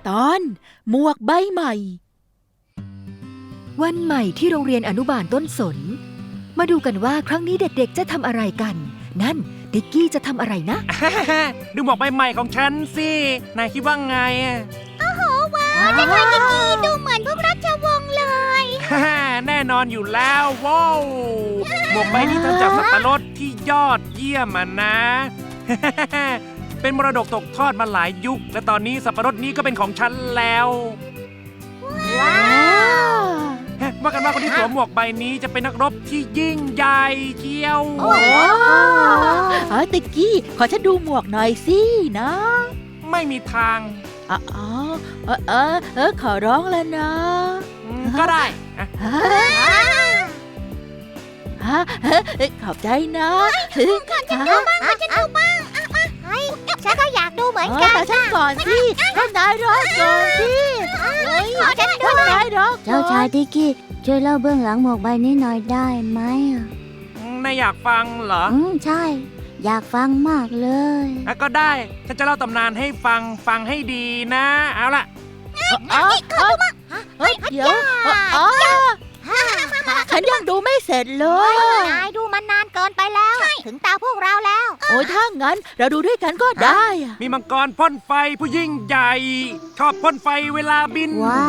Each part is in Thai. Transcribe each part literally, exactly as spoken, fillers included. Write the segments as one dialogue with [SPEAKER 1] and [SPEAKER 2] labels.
[SPEAKER 1] ตอนหมวกใบใหม่วันใหม่ที่โรงเรียนอนุบาลต้นสนมาดูกันว่าครั้งนี้เด็กๆจะทำอะไรกันนั่นติ๊กกี้จะทำอะไรนะ
[SPEAKER 2] ดูหมวกใบใหม่ของฉันสินายคิดว่าไง
[SPEAKER 3] โอ้โหว้าวเจ้าชายติ๊กกี้ดูเหมือนพวกราชวงศ์เลย
[SPEAKER 2] แน่นอนอยู่แล้วว้าวหมวกใบนี้ทำจากสับปะรดที่ยอดเยี่ยมอ่ะนะ เป็นมรดกตกทอดมาหลายยุคและตอนนี้สับปะรดนี้ก็เป็นของฉันแล้ว
[SPEAKER 3] ว้าว
[SPEAKER 2] ว่ากันว่าคนที่สวมหมวกใบนี้จะเป็นนักรบที่ยิ่งใหญ่เชียว
[SPEAKER 1] โอ้เออติ๊กกี้ขอฉันดูหมวกหน่อยสินะ
[SPEAKER 2] ไม่มีทาง
[SPEAKER 1] อ๋อเออเออเออขอร้องแล้วนะ
[SPEAKER 2] ก็ได้
[SPEAKER 1] ขอบใจนะ
[SPEAKER 3] ขอฉันดูบ้างขอฉันดูบ้างฉันก็อยากดูเหมือนกัน
[SPEAKER 1] แต่ฉันก่อนสิให้นายร้องก่อนสิ
[SPEAKER 3] ขอฉันดู
[SPEAKER 1] นายร้อง
[SPEAKER 4] เจ้าชายติ๊กกี้ช่วยเล่าเบื้องหลังหมวกใบนี้หน่อยได้ไหมอ่ะ
[SPEAKER 2] นายอยากฟังเหรอ
[SPEAKER 4] อืมใช่อยากฟังมากเลย
[SPEAKER 2] ก็ได้ฉันจะเล่าตำนานให้ฟังฟังให้ดีนะเอาล่ะ
[SPEAKER 3] นี่ขอดูมั้ง
[SPEAKER 1] เดี๋ยวฉันยังดูไม่เสร็จเลย
[SPEAKER 3] นายดูมันนานเกินไปแล้วถึงตาพวกเราแล้ว
[SPEAKER 1] โอ้ยถ้างั้นเราดูด้วยกันก็ได้
[SPEAKER 2] มีมังกรพ่นไฟผู้ยิ่งใหญ่ชอบพ่นไฟเวลาบิน
[SPEAKER 4] ว้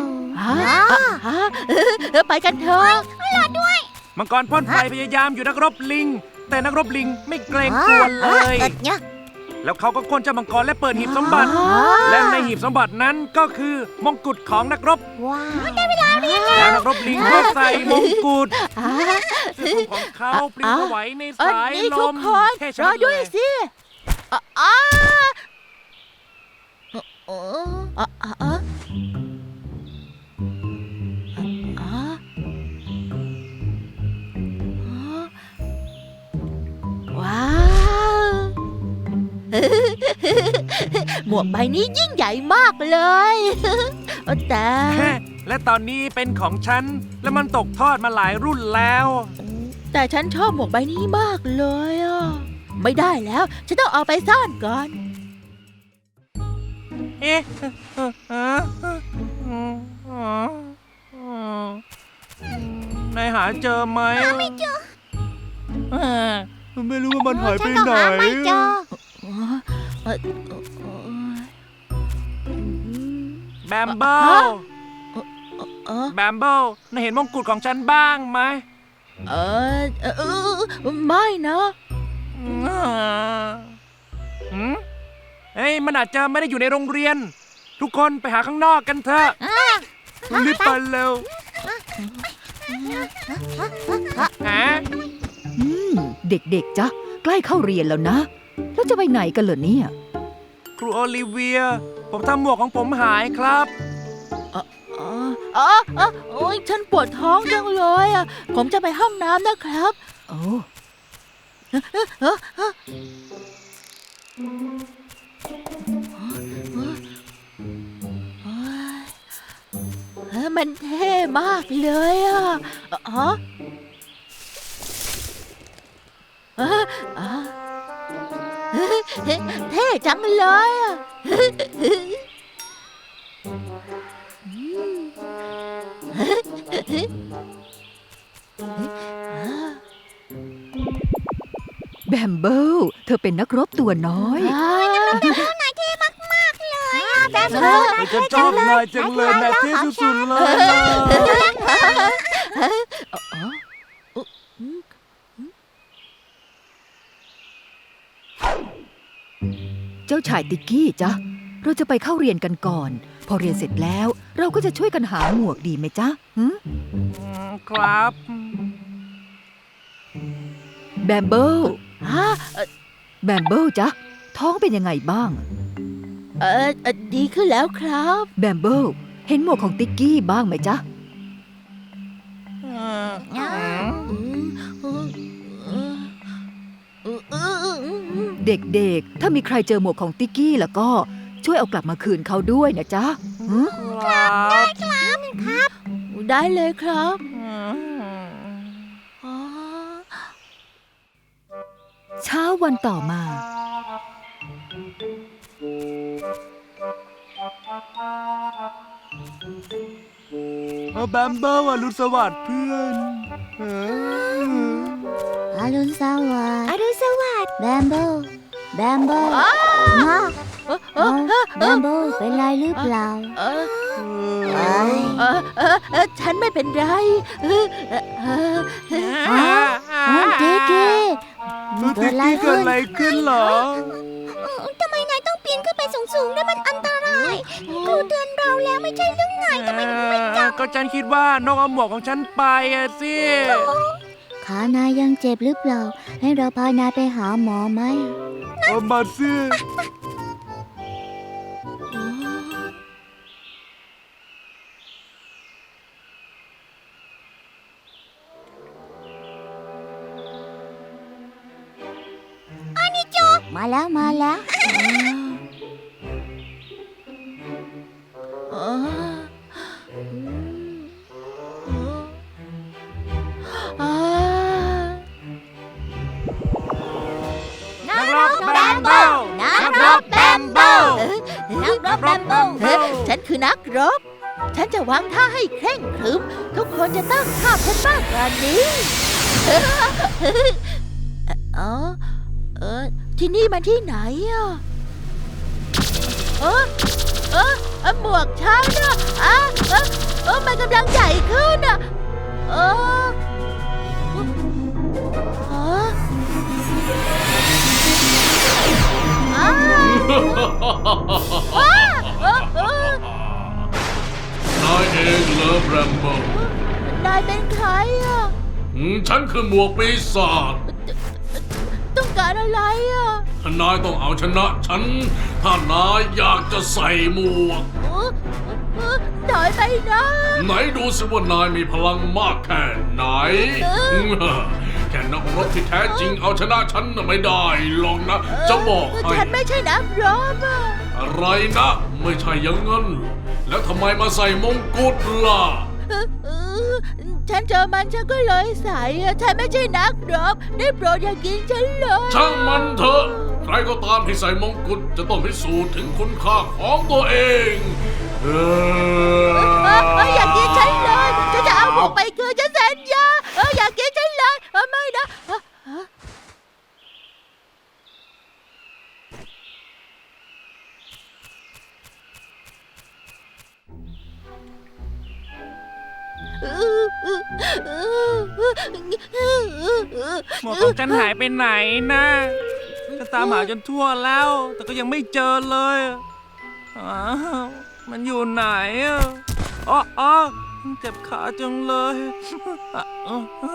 [SPEAKER 1] าวไปกันเถอะ
[SPEAKER 3] รอด้วย
[SPEAKER 2] มังกรพ่นไฟพยายามอยู่นักรบลิงแต่นักรบลิงไม่เกรงกลัวเลยแล้วเขาก็ค้นเจ้ามังกรและเปิดหีบสมบัติและในหีบสมบัตินั้นก็คือมงกุฎของนักรบ
[SPEAKER 3] ว้าวได้เวลาเรียน
[SPEAKER 2] แล้วนักรบลิงก็ใส่มงกุฎเสื้อของเขาปลิวไหวในสายลม
[SPEAKER 1] รอด้วยสิอ๋อว้าวหมวกใบนี้ยิ่งใหญ่มากเลยแต่
[SPEAKER 2] และตอนนี้เป็นของฉันและมันตกทอดมาหลายรุ่นแล้ว
[SPEAKER 1] แต่ฉันชอบหมวกใบนี้มากเลยอ่ะไม่ได้แล้วฉันต้องเอาไปซ่อนก่อน
[SPEAKER 2] เอ๊ะนายหาเจอไหม
[SPEAKER 3] ไม่เจอ
[SPEAKER 2] ไม่รู้ว่ามันหายไปไหน
[SPEAKER 3] ไม่เจอ
[SPEAKER 2] แบมเบิลแบมเบิลนายเห็นมงกุฎของฉันบ้างไหม
[SPEAKER 1] เออเออไม่นะ
[SPEAKER 2] เฮ้ยมันอาจจะไม่ได้อยู่ในโรงเรียนทุกคนไปหาข้างนอกกันเถอะรีบไปเร็วฮะ
[SPEAKER 1] เด็กๆจ๊ะใกล้เข้าเรียนแล้วนะแล้วจะไปไหนกันเหรอเนี่ย
[SPEAKER 2] ครูโอลิเวียผมทำหมวกของผมหายครับ
[SPEAKER 1] อ๋ออ๋ออ๋อโอ้ยฉันปวดท้องจังเลยอ่ะผมจะไปห้องน้ำนะครับโอ้มันเท่มากเลยอ่ะอ๋อเท่จังเลยอ่ะแบมเบิลเธอเป็นนักรบตัวน้อย
[SPEAKER 3] นักรบตัวน้อยนายเท่มากๆเลยแบมเบิลนายเท่
[SPEAKER 2] จังเลยนายจังเลยนายเท่สุดๆเลย
[SPEAKER 1] เจ้าชายติ๊กกี้จ๊ะเราจะไปเข้าเรียนกันก่อนพอเรียนเสร็จแล้วเราก็จะช่วยกันหาหมวกดีไหมจ๊ะ
[SPEAKER 2] ครับ
[SPEAKER 1] แบมเบิลฮะแบมเบิลจ๊ะท้องเป็นยังไงบ้างเออดีขึ้นแล้วครับแบมเบิลเห็นหมวกของติ๊กกี้บ้างไหมจ๊ะเด็กๆถ้ามีใครเจอหมวกของติ๊กกี้แล้วก็ช่วยเอากลับมาคืนเขาด้วยนะจ๊ะ
[SPEAKER 3] ครับได้ครับครับ
[SPEAKER 1] ได้เลยครับเช้าวันต่อมา
[SPEAKER 2] แบมเบิลอรุณสวัสดิ์เพื่อนเออ
[SPEAKER 4] อรุณสวัส
[SPEAKER 3] อ
[SPEAKER 4] ดิ์
[SPEAKER 3] รุณสวัสดิ์
[SPEAKER 4] แบมเบิลแบมเบิลมา
[SPEAKER 1] เออเอ
[SPEAKER 4] เอ้า
[SPEAKER 1] อ
[SPEAKER 4] แบมเบิลเป็นไรหรือเปล่า
[SPEAKER 1] เออ
[SPEAKER 4] เอ้ย
[SPEAKER 1] เออเออเออฉันไม่เป็นไรเออเออเออ
[SPEAKER 4] อ๋อติ๊กกี้
[SPEAKER 2] เกิด
[SPEAKER 4] เกิดอะไร
[SPEAKER 2] เกิ
[SPEAKER 4] ขึ้
[SPEAKER 2] ด
[SPEAKER 4] น
[SPEAKER 2] อะไรขึ้นเหรอ
[SPEAKER 3] ทำไมนายต้องปีนขึ้นไปสูงๆด้วยมันอันตรายครูเตือนเราแล้วไม่ใช่เรื่องไงทำไมถึงไม่จับ
[SPEAKER 2] ก็ฉันคิดว่านกเอาหมวกของฉันไปอะสิ
[SPEAKER 4] ขานายยังเจ็บหรือเปล่า ให้เราพานายไปหาหมอไหม
[SPEAKER 2] เอามาสิ
[SPEAKER 4] มาแล้วมาแล้ว
[SPEAKER 1] เออเออ
[SPEAKER 2] นักรบแบมเบิล
[SPEAKER 1] นักรบแบมเบิลนักรบแบมเบิลเฮ้ยฉันคือนักรบ ฉันจะวางท่าให้เคร่งครึม ทุกคนจะตั้งท่าฉันมากกว่านี้เออเออที่นี่มันที่ไหนอ่ะเออเออเออหมวกฉันอ่ะอ่ะเออเออมันกำลังใหญ่ขึ้นอ่ะเออเอออ้าวอ้าวเออเออน
[SPEAKER 5] ายเองเหรอแบมโบ
[SPEAKER 1] นายเป็นใครอ่ะ
[SPEAKER 5] อืมฉันคือหมวกปีศาจ
[SPEAKER 1] ต้องการอะไรอ่ะ
[SPEAKER 5] ถ้านายต้องเอาชนะฉัน ถ้านายอยากจะใส่หมวก
[SPEAKER 1] เออเออถอยไปนะ
[SPEAKER 5] ไหนดูสิว่านายมีพลังมากแค่ไหน แค่นักรบที่แท้จริงเอาชนะฉันน่ะไม่ได้หรอกนะ จะบอกให้
[SPEAKER 1] ฉันไม่ใช่นักรบอ่ะ
[SPEAKER 5] อะไรนะ ไม่ใช่อย่างนั้นเหรอแล้วทำไมมาใส่มงกุฎล่ะ
[SPEAKER 1] เออเออฉันเจอมันฉันก็เลยใส่อะฉันไม่ใช่นักรบได้โปรดอย่ากินฉันเลย
[SPEAKER 5] ช่างมันเถอะ ใครก็ตามที่ใส่มงกุฎจะต้องพิสูจน์ถึงคุณค่าของตัวเองเอ
[SPEAKER 1] เออเอออย่ากินฉันเลยฉันจะเอาหมวกไปคืนฉันสัญญาเอออย่ากินฉันเลยเออไม่นะเออเออเออเออเออเออเออ
[SPEAKER 2] หมวกของฉันหายไปไหนนะฉันตามหาจนทั่วแล้ว แต่ก็ยังไม่เจอเลยอ้าวมันอยู่ไหนอ่ะอ๋ออ๋อเจ็บขาจังเลยอ่ะอ่ะอ่ะ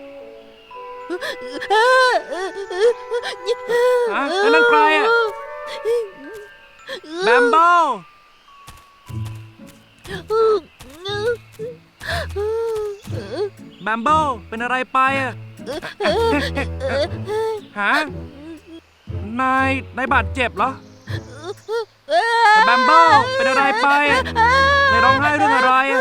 [SPEAKER 2] ฮะแล้วนั่นใครอ่ะแบมโบแบมโบเป็นอะไรไปอ่ะฮะนายนายบาดเจ็บเหรอแบมโบเป็นอะไรไปอ่ะนายร้องไห้เรื่องอะไรอ่ะ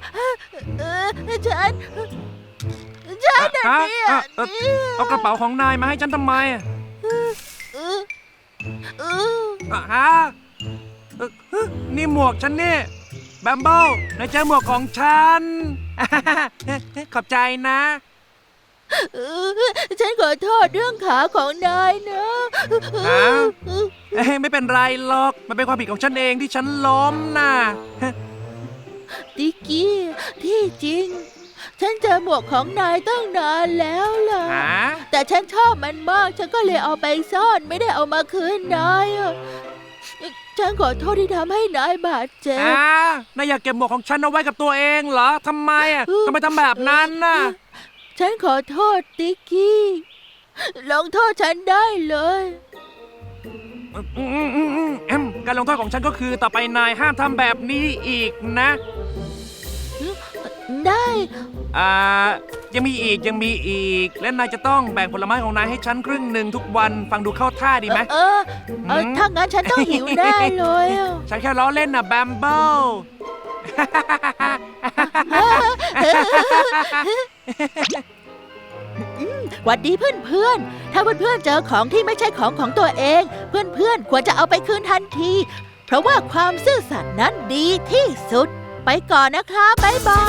[SPEAKER 1] ฉัน ฉันน่ะ
[SPEAKER 2] ฮะ
[SPEAKER 1] เนี่ย
[SPEAKER 2] อ่ะเอ่อเอากระเป๋าของนายมาให้ฉันทำไมอ่ะ
[SPEAKER 1] เออเออ
[SPEAKER 2] อ่ะฮะเอ่อฮะนี่หมวกฉันนี่แบมโบ้นายเจอหมวกของฉัน ขอบใจนะ
[SPEAKER 1] เออฉันขอโทษเรื่องขาของนายนะ
[SPEAKER 2] ฮะ เอ้ยไม่เป็นไรหรอก มันเป็นความผิดของฉันเองที่ฉันล้มน่ะ
[SPEAKER 1] ติกกี้ที่จริง ฉันเจอหมวกของนายตั้งนานแล้วล่ะ
[SPEAKER 2] ฮะ
[SPEAKER 1] แต่ฉันชอบมันมาก ฉันก็เลยเอาไปซ่อนไม่ได้เอามาคืนนายอะฉันขอโทษที่ทำให้นายบาดเจ็บ
[SPEAKER 2] อ่านายอยากเก็บหมวกของฉันเอาไว้กับตัวเองเหรอทำไมอ่ะทำไมทำแบบนั้นน่ะ
[SPEAKER 1] ฉันขอโทษติกกี้ลงโทษฉันได้เลย
[SPEAKER 2] อืมอืมอืมอืมแอมการลงโทษของฉันก็คือต่อไปนายห้ามทำแบบนี้อีกนะ
[SPEAKER 1] ได้
[SPEAKER 2] อ่า ยังมีอีกยังมีอีก และนายจะต้องแบ่งผลไม้ของนายให้ฉันครึ่งหนึ่งทุกวันฟังดูเข้าท่าดีไหม
[SPEAKER 1] เออเออ
[SPEAKER 2] หืม
[SPEAKER 1] ถ้างั้นฉันต้องหิวแน่เลยอะ
[SPEAKER 2] ฉันแค่ล้อเล่นน่ะแบมเบิล
[SPEAKER 1] หวัดดีเพื่อนๆ ถ้าเพื่อนๆเจอของที่ไม่ใช่ของของตัวเอง เพื่อนๆควรจะเอาไปคืนทันที เพราะว่าความซื่อสัตย์นั้นดีที่สุด ไปก่อนนะครับบ๊ายบาย